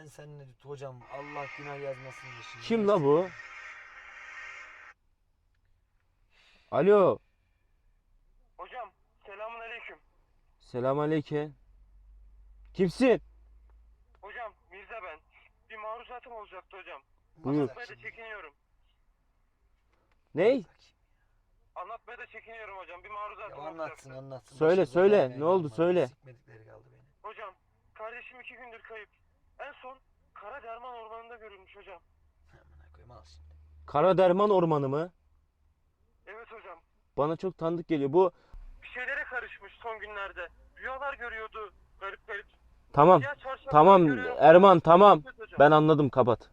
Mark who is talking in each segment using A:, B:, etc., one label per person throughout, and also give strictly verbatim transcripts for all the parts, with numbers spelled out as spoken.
A: sen ne hocam, Allah günah yazmasın da şimdi.
B: Kim la bu? Alo.
C: Hocam selamun aleyküm.
B: Selamünaleyküm. Kimsin?
C: Hocam Mirza ben. Bir maruzatım olacaktı hocam.
B: Buyur.
C: Anlatmaya da çekiniyorum.
B: Ney?
C: Anlatmaya da çekiniyorum hocam. Bir maruzatım
A: Ya
C: olacaktı.
A: anlatsın anlatsın.
B: Söyle,
A: Başımıza
B: söyle.
A: gelmeyen
B: Ne oldu,
A: kalmadı.
B: söyle.
A: Sikmedikleri kaldı beni.
C: Hocam kardeşim iki gündür kayıp. En son Kara Derman Ormanı'nda görülmüş hocam.
A: Amına koyayım, al şimdi.
B: Kara Derman Ormanı mı?
C: Evet hocam.
B: Bana çok tanıdık geliyor. Bu
C: Bir şeylere karışmış son günlerde. Rüyalar görüyordu garip garip.
B: tamam.
C: Siyah çarşaflar
B: Tamam
C: görüyorum.
B: Erman, tamam.
C: Evet hocam.
B: Ben anladım, kapat.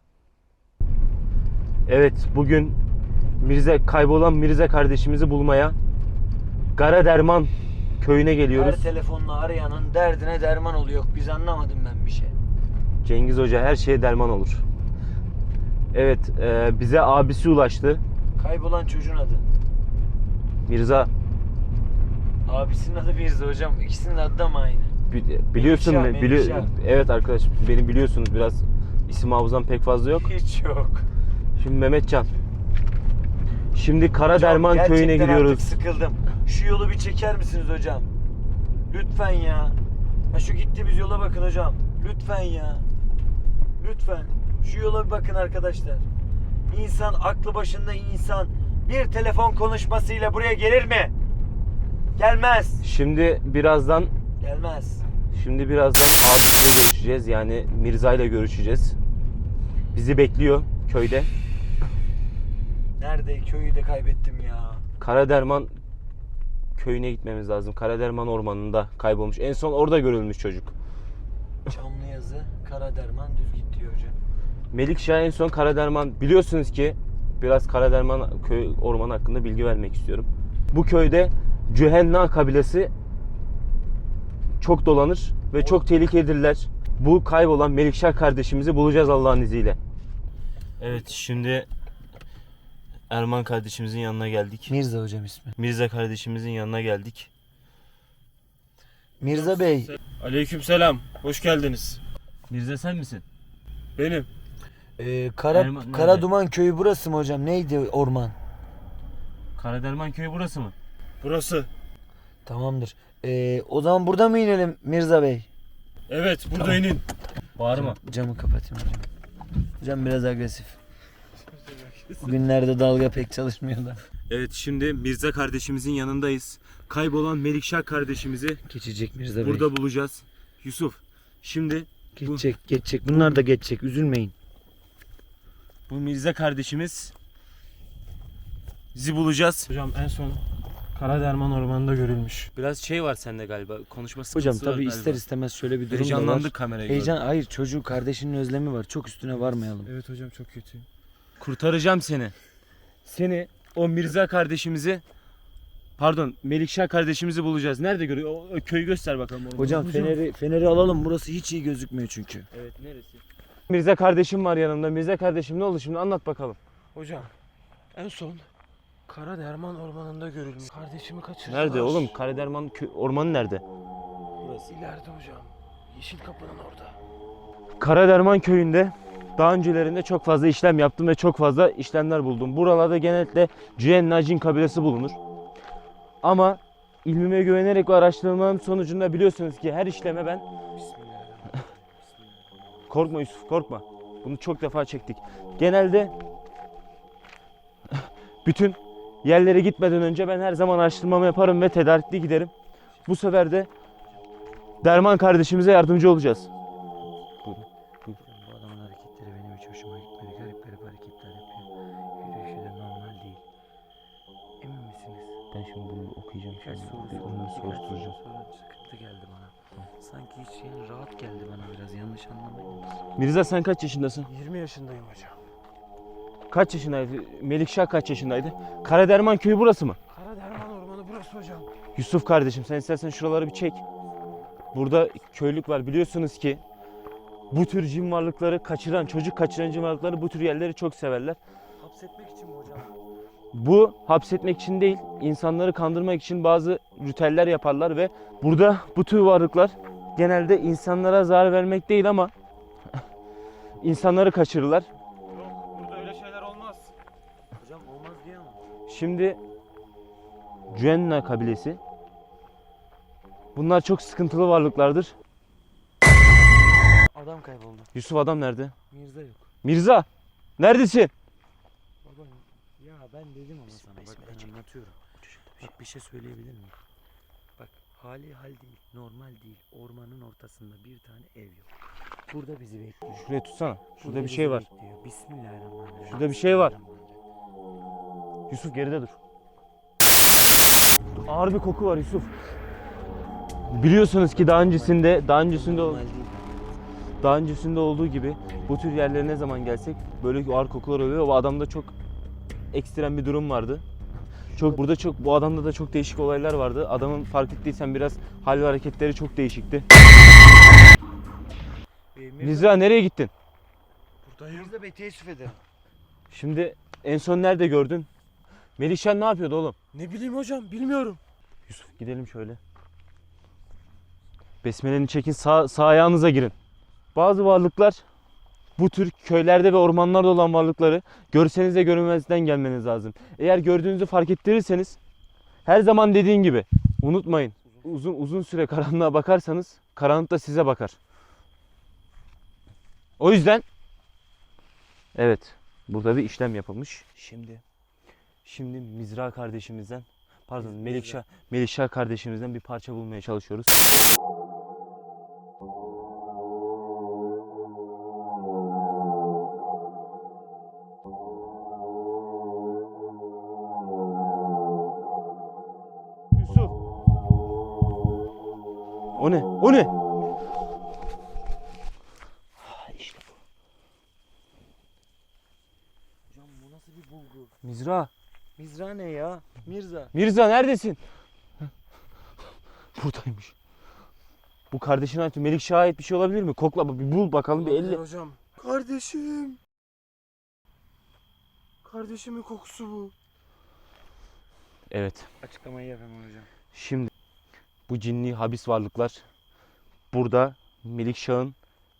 B: Evet, bugün Mirze kaybolan Mirze kardeşimizi bulmaya Kara Derman köyüne
A: Her
B: geliyoruz.
A: telefonla arayanın derdine derman oluyor. Biz anlamadım ben bir şey.
B: Cengiz Hoca her şeye derman olur. Evet, e, bize abisi ulaştı.
A: Kaybolan çocuğun adı.
B: Mirza,
A: Abisinin adı Mirza hocam. İkisinin adı da mı aynı?
B: bi- biliyorsun
A: Melikşah,
B: mu? Bili-
A: Melikşah.
B: evet arkadaş, beni biliyorsunuz, biraz isim hafızam pek fazla yok.
A: Hiç yok.
B: Şimdi Mehmetcan. Şimdi Kara
A: Hocam,
B: Derman köyüne
A: gerçekten
B: gidiyoruz.
A: artık sıkıldım. Şu yolu bir çeker misiniz hocam? Lütfen ya. Ha şu gittiğimiz yola bakın hocam. Lütfen ya. Lütfen. Şu yola bir bakın arkadaşlar. İnsan, aklı başında insan bir telefon konuşmasıyla buraya gelir mi? Gelmez.
B: Şimdi birazdan
A: Gelmez.
B: Şimdi birazdan abisiyle görüşeceğiz. Yani Mirza ile görüşeceğiz. Bizi bekliyor köyde.
A: Nerede? Köyü de kaybettim ya.
B: Karaderman köyüne gitmemiz lazım. Karaderman ormanında kaybolmuş. En son orada görülmüş çocuk.
A: Çamlıyazı, Karaderman düz git diyor hocam.
B: Melikşah en son Karaderman, biliyorsunuz ki biraz Karaderman köy ormanı hakkında bilgi vermek istiyorum. Bu köyde Cühenna kabilesi çok dolanır ve çok tehlikelidirler. Bu kaybolan Melikşah kardeşimizi bulacağız Allah'ın izniyle. Evet, şimdi Erman kardeşimizin yanına geldik.
A: Mirza hocam ismi.
B: Mirza kardeşimizin yanına geldik.
A: Mirza Bey.
B: Aleykümselam. Hoş geldiniz. Mirza sen misin?
C: Benim.
A: Ee, Kara,
B: Erman nerede?
A: Karaduman köyü burası mı hocam? Neydi orman?
B: Karaderman köyü burası mı?
C: Burası.
A: Tamamdır. Ee, o zaman burada mı inelim Mirza Bey?
C: Evet burada inin.
B: Bağırma.
A: Camı kapatayım hocam. Hocam biraz agresif. Bugünlerde dalga pek çalışmıyor da.
B: Evet, şimdi Mirza kardeşimizin yanındayız. Kaybolan Melikşah kardeşimizi
A: Geçecek Mirza Bey.
B: burada bulacağız. Yusuf, şimdi
A: Geçecek, geçecek. Bunlar da geçecek. Üzülmeyin.
B: bu Mirza kardeşimiz bizi bulacağız.
C: Hocam en son Kara Derman Ormanı'nda görülmüş.
B: Biraz şey var sende galiba. Konuşma
A: Hocam
B: sıkıntısı var
A: tabii
B: galiba.
A: ister istemez şöyle bir durum da var.
B: Heyecanlandık kamerayı
A: Heyecan,
B: gördüm.
A: hayır çocuğu kardeşinin özlemi var. Çok üstüne varmayalım.
C: Evet hocam çok kötü.
B: Kurtaracağım seni. Seni, o Mirza kardeşimizi, pardon Melikşah kardeşimizi bulacağız. Nerede görüyor? O, o köyü göster bakalım. Orada.
A: Hocam feneri feneri alalım. Burası hiç iyi gözükmüyor çünkü.
B: Evet, neresi? Mirza kardeşim var yanımda. Mirza kardeşim ne oldu şimdi, anlat bakalım.
C: Hocam en son Kara Derman Ormanı'nda görülmüş. Kardeşimi kaçırdılar.
B: Nerede oğlum? Karaderman kö- ormanı nerede?
C: Burası ileride hocam. Yeşil Kapı'nın orada.
B: Karaderman köyünde daha öncelerinde çok fazla işlem yaptım ve çok fazla işlemler buldum. Buralarda genellikle Cühenna Cin kabilesi bulunur. Ama ilmime güvenerek ve araştırmalarım sonucunda biliyorsunuz ki her işleme ben...
C: Bismillahirrahmanirrahim.
B: Korkma Yusuf, korkma. Bunu çok defa çektik. Genelde bütün yerlere gitmeden önce ben her zaman araştırmamı yaparım ve tedarikli giderim. Bu sefer de Derman kardeşimize yardımcı olacağız. Buyurun. Buyurun.
A: Bu adamın hareketleri benim hiç hoşuma gitmedi. Garip garip hareketler yapıyor. Yürüyüşü de normal değil. Emin misiniz?
B: Ben şimdi bunu okuyacağım.
A: Birkaç
B: Şimdi
A: soru
B: bir
A: sorun.
B: onu
A: Birkaç
B: soruşturacağım.
A: soru sorun. Sıkıntı geldi bana. Sanki hiç yani rahat geldi bana biraz. Yanlış anlamayın.
B: Mirza sen kaç yaşındasın?
C: yirmi yaşındayım hocam.
B: Kaç yaşındaydı? Melikşah kaç yaşındaydı? Karaderman köyü burası mı?
C: Kara Derman Ormanı burası hocam.
B: Yusuf kardeşim sen istersen şuraları bir çek. Burada köylük var, biliyorsunuz ki bu tür cin varlıkları kaçıran, çocuk kaçıran cin varlıkları bu tür yerleri çok severler.
C: Hapsetmek için mi hocam?
B: Bu hapsetmek için değil, insanları kandırmak için bazı ritüeller yaparlar ve burada bu tür varlıklar genelde insanlara zarar vermek değil ama insanları kaçırırlar.
C: Yok, burada öyle şeyler olmaz.
A: Hocam olmaz diye ama.
B: Şimdi Cühenna kabilesi. Bunlar çok sıkıntılı varlıklardır.
A: Adam kayboldu.
B: Yusuf adam nerede?
A: Mirza yok.
B: Mirza! Neredesin?
A: Baba ya ben dedim ama sana bak ben anlatıyorum. Bak bir şey söyleyebilir miyim? Bak hali hal değil, normal değil. Ormanın ortasında bir tane ev yok. Burada bizi bekliyor.
B: Şuraya tutsana. Şurada
A: Burada
B: bir
A: bizi
B: şey var.
A: bekliyor. Bismillahirrahmanirrahim.
B: Şurada bir şey var. Yusuf geride dur. Ağır bir koku var Yusuf. Biliyorsunuz ki daha öncesinde, daha öncesinde
A: Normal değil.
B: daha öncesinde olduğu gibi bu tür yerlere ne zaman gelsek böyle ağır kokular oluyor. O adamda çok ekstrem bir durum vardı. Çok burada çok bu adamda da çok değişik olaylar vardı. Adamın fark ettiysen biraz hal ve hareketleri çok değişikti.
A: Ee, Mirza,
B: Mirza nereye gittin?
C: Buradayım.
A: Mirza Bey teessüf ederim.
B: Şimdi en son nerede gördün? Melihşen ne yapıyordu oğlum?
C: Ne bileyim hocam, bilmiyorum.
B: Yusuf gidelim şöyle. Besmeleni çekin, sağ, sağ ayağınıza girin. Bazı varlıklar bu tür köylerde ve ormanlarda olan varlıkları görseniz de görünmezden gelmeniz lazım. Eğer gördüğünüzü fark ettirirseniz her zaman dediğin gibi unutmayın. Uzun uzun süre karanlığa bakarsanız karanlık da size bakar. O yüzden evet burada bir işlem yapılmış. Şimdi şimdi Mizra kardeşimizden pardon Melikşah Melikşah kardeşimizden bir parça bulmaya çalışıyoruz. Yusuf. O ne? O ne? İşte bu.
A: Hocam bu nasıl bir bulgu?
B: Mizra.
A: Mirza ne ya? Mirza.
B: Mirza neredesin? Buradaymış. Bu kardeşine ait Melikşah'a ait bir şey olabilir mi? Kokla bir bul bakalım bir elle.
C: Hocam. Kardeşim. Kardeşimin kokusu bu.
B: Evet.
A: Açıklamayı yapamam hocam.
B: Şimdi bu cinli habis varlıklar burada Melikşah'ın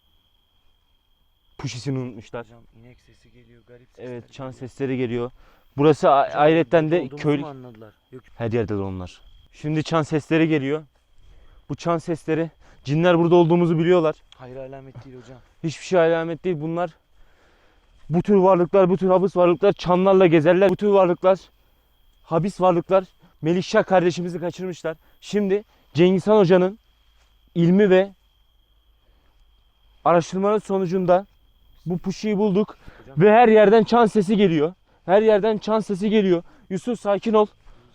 B: puşisini unutmuşlar.
A: Hocam inek sesi geliyor, garip sesler
B: Evet, çan
A: geliyor.
B: sesleri geliyor. Burası a-
A: Hocam,
B: ayrıca de
A: olduğumuzu
B: köy
A: mu anladılar? Yok.
B: her yerde de onlar. Şimdi çan sesleri geliyor. Bu çan sesleri cinler burada olduğumuzu biliyorlar.
A: Hayır alamet değil hocam.
B: Hiçbir şey alamet değil bunlar. Bu tür varlıklar, bu tür habis varlıklar çanlarla gezerler. Bu tür varlıklar, habis varlıklar Melikşah kardeşimizi kaçırmışlar. Şimdi Cengiz Han Hoca'nın ilmi ve araştırmaları sonucunda bu puşiyi bulduk.
A: Hocam.
B: Ve her yerden çan sesi geliyor. Her yerden çan sesi geliyor. Yusuf sakin ol.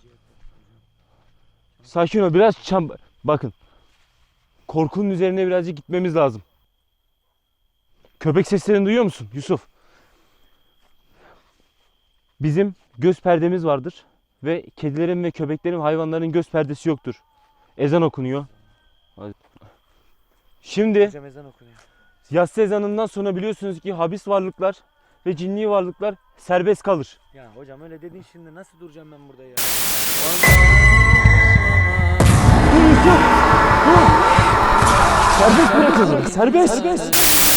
B: Sakin ol. Biraz çan... Bakın. Korkunun üzerine birazcık gitmemiz lazım. Köpek seslerini duyuyor musun Yusuf? Bizim göz perdemiz vardır. Ve kedilerin ve köpeklerin, hayvanların göz perdesi yoktur. Ezan okunuyor. Şimdi
A: Hocam ezan okunuyor.
B: yatsı ezanından sonra biliyorsunuz ki habis varlıklar ve cinli varlıklar serbest kalır.
A: Ya hocam öyle dedin şimdi nasıl duracağım ben burada ya?
B: Dur Yusuf! Dur! Serbest bırakın. Serbest. Serbest.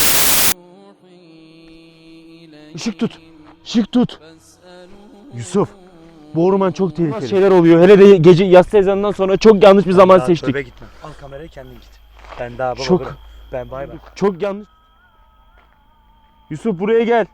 B: Işık tut. Işık tut. Yusuf. Bu orman çok tehlikeli. Şeyler oluyor. Hele de gece yatsı ezanından sonra çok yanlış bir zaman
A: Daha
B: seçtik.
A: tövbe gitme. Al kamerayı kendin git. Ben daha baba
B: Çok-
A: bırak. Ben bay bay.
B: Çok yanlış. Yusuf buraya gel.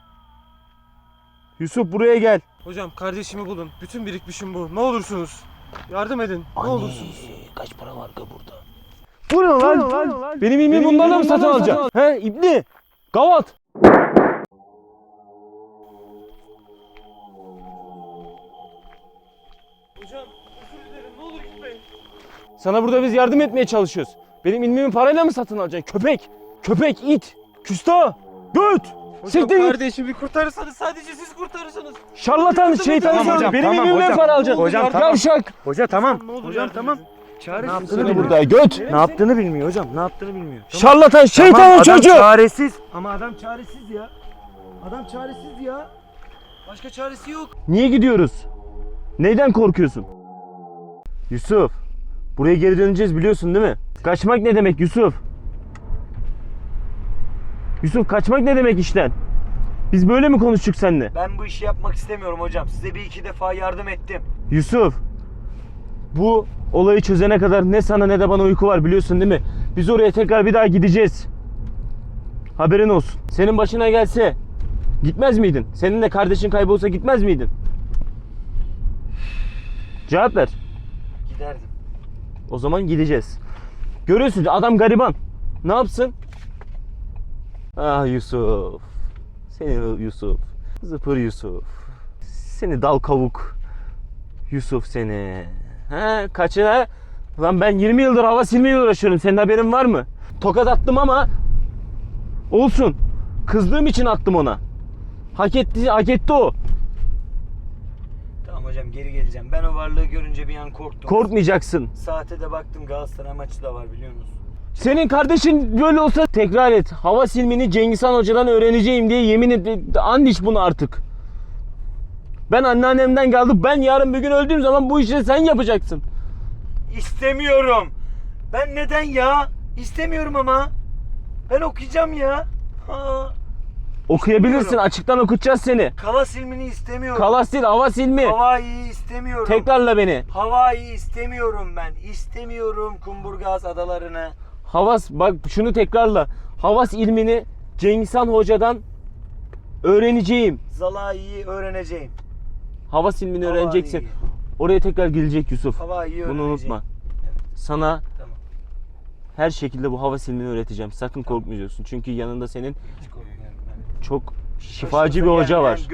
B: Yusuf buraya gel.
C: Hocam kardeşimi bulun. Bütün birikmişim bu. Ne olursunuz. Yardım edin. Ne olursunuz.
A: Kaç para var burada?
B: Bu ne lan? Benim ilmimi bunlarla mı satın alacaksın? He İbni? Gavat.
C: Hocam özür dilerim. Ne olur gitmeyin.
B: Sana burada biz yardım etmeye çalışıyoruz. Benim ilmimi parayla mı satın alacaksın? Köpek. Köpek, it. Küstah. Göt.
C: Hocam
B: Siktir git.
C: kardeşimi kurtarırsanız sadece siz kurtarırsınız.
B: Şarlatan, şeytan.
A: Tamam hocam,
B: Benim
A: tamam
B: ilmimden
A: hocam.
B: para alacaksın.
A: Hocam, tamam.
B: Yavşak.
A: Hoca tamam.
C: Ne olur
A: Hocam
C: yardım
A: tamam.
C: edin.
A: Çaresiz.
B: Ne yaptığını
A: bilmiyor.
B: burada göt.
A: Ne yaptığını bilmiyor hocam. Ne yaptığını bilmiyor.
B: Şarlatan, şeytanın
A: Tamam, adam
B: çocuğu.
A: çaresiz. Ama adam çaresiz ya. Adam çaresiz ya. Başka çaresi yok.
B: Niye gidiyoruz? Neyden korkuyorsun? Yusuf. Buraya geri döneceğiz biliyorsun değil mi? Kaçmak ne demek Yusuf? Yusuf kaçmak ne demek işten? Biz böyle mi konuştuk seninle?
A: Ben bu işi yapmak istemiyorum hocam. Size bir iki defa yardım ettim.
B: Yusuf, bu olayı çözene kadar ne sana ne de bana uyku var, biliyorsun değil mi? Biz oraya tekrar bir daha gideceğiz. Haberin olsun. Senin başına gelse gitmez miydin? Senin de kardeşin kaybolsa gitmez miydin? Cevap ver.
A: Giderdim.
B: O zaman gideceğiz. Görüyorsun adam gariban. Ne yapsın? Ah Yusuf. Seni Yusuf. Zıpır Yusuf. Seni dal kavuk. Yusuf seni. He kaçına? Lan ben yirmi yıldır hava silmeyle uğraşıyorum. Senin haberin var mı? Tokat attım ama olsun. Kızdığım için attım ona. Hak etti, hak etti o.
A: Tamam hocam, geri geleceğim. Ben o varlığı görünce bir an korktum.
B: Korkmayacaksın.
A: Saate de baktım, Galatasaray maçı da var biliyorsunuz.
B: Senin kardeşin böyle olsa tekrar et. Hava silmini Cengiz Han Hoca'dan öğreneceğim diye yemin et. And iç bunu artık. Ben anneannemden geldim. Ben yarın bir gün öldüğüm zaman bu işi sen yapacaksın.
A: İstemiyorum. Ben neden ya? İstemiyorum ama. Ben okuyacağım ya. Ha.
B: Okuyabilirsin.
A: İstemiyorum.
B: Açıktan okutacağız seni.
A: Kala silmini istemiyorum.
B: Kala sil, hava silmi.
A: Hawaii'yi istemiyorum.
B: Tekrarla beni.
A: Hawaii istemiyorum ben. İstemiyorum Kumburgaz adalarını.
B: Havas, bak şunu tekrarla. Havas ilmini Cengiz Han Hoca'dan öğreneceğim.
A: Zalai'yi öğreneceğim.
B: Havas ilmini
A: Hawaii.
B: öğreneceksin. Oraya tekrar gelecek Yusuf.
A: Hawaii'yi
B: Bunu
A: öğreneceğim.
B: unutma.
A: Evet,
B: Sana
A: tamam.
B: her şekilde bu hava silmini öğreteceğim. Sakın korkmayacaksın. Çünkü yanında senin
A: Hiç korkmuyorum ben.
B: çok şifacı bir hoca var.